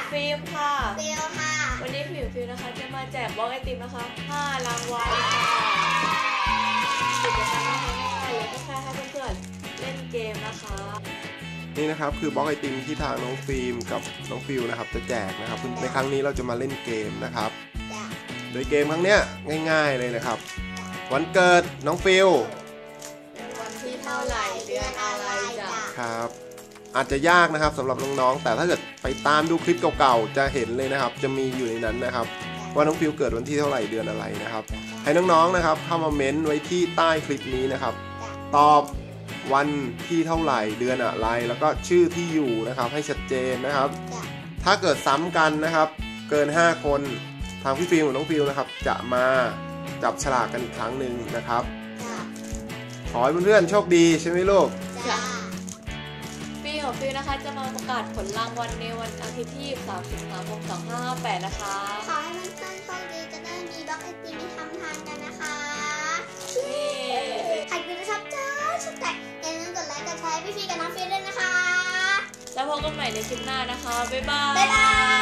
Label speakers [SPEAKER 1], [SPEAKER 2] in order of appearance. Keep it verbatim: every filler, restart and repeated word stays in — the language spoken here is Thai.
[SPEAKER 1] ฟิล์มค่ะ
[SPEAKER 2] ฟิลค่ะ
[SPEAKER 1] วันนี้ฟิล์มฟิล์มนะคะจะมาแจกบล็อกไอติมนะคะห้ารางวัลค่ะกิจกรรมง่ายๆเลยก็แค่ให้เพื่อนๆเล่นเกมนะคะ
[SPEAKER 3] นี่นะครับคือบล็อกไอติมที่ทางน้องฟิล์มกับน้องฟิลนะครับจะแจกนะครับในครั้งนี้เราจะมาเล่นเกมนะครับโดยเกมครั้งเนี้ยง่ายๆเลยนะครับวันเกิดน้องฟิล
[SPEAKER 1] วันที่เท่าไหร่เดือนอะไรจ้ะ
[SPEAKER 3] ครับอาจจะยากนะครับสำหรับน้องๆแต่ถ้าเกิดไปตามดูคลิปเก่าๆจะเห็นเลยนะครับจะมีอยู่ในนั้นนะครับว่าน้องฟิลเกิดวันที่เท่าไหร่เดือนอะไรนะครับให้น้องๆนะครับเข้ามาเม้นไว้ที่ใต้คลิปนี้นะครับตอบวันที่เท่าไหร่เดือนอะไรแล้วก็ชื่อที่อยู่นะครับให้ชัดเจนนะครับถ้าเกิดซ้ำกันนะครับเกินห้าคนทางพี่ฟิลกับน้องฟิลนะครับจะมาจับฉลากกันอีกครั้งหนึ่งนะครับขอให้เพื่อนๆโชคดีใช่ไหมลูก
[SPEAKER 1] ฟิลของฟิลนะคะจะมาประกาศผลรางวัลในวันอาทิตย์ที่สามสิงหาคมสองพันห้าร้อยห้าสิบแปดนะคะ
[SPEAKER 2] ขอให้เพื่อนๆโชคดีจะได้มีบล็อกไอติมที่ทำทานกันนะคะใครดูนะครับจ้าชุดแต่อย่าลืมกดไลค์กดแชร์พี่ฟิลกับน้องฟิลด้วยนะคะ
[SPEAKER 1] แล้วพบกันใหม่ในคลิปหน้านะคะบ๊ายบาย
[SPEAKER 2] บ๊ายบาย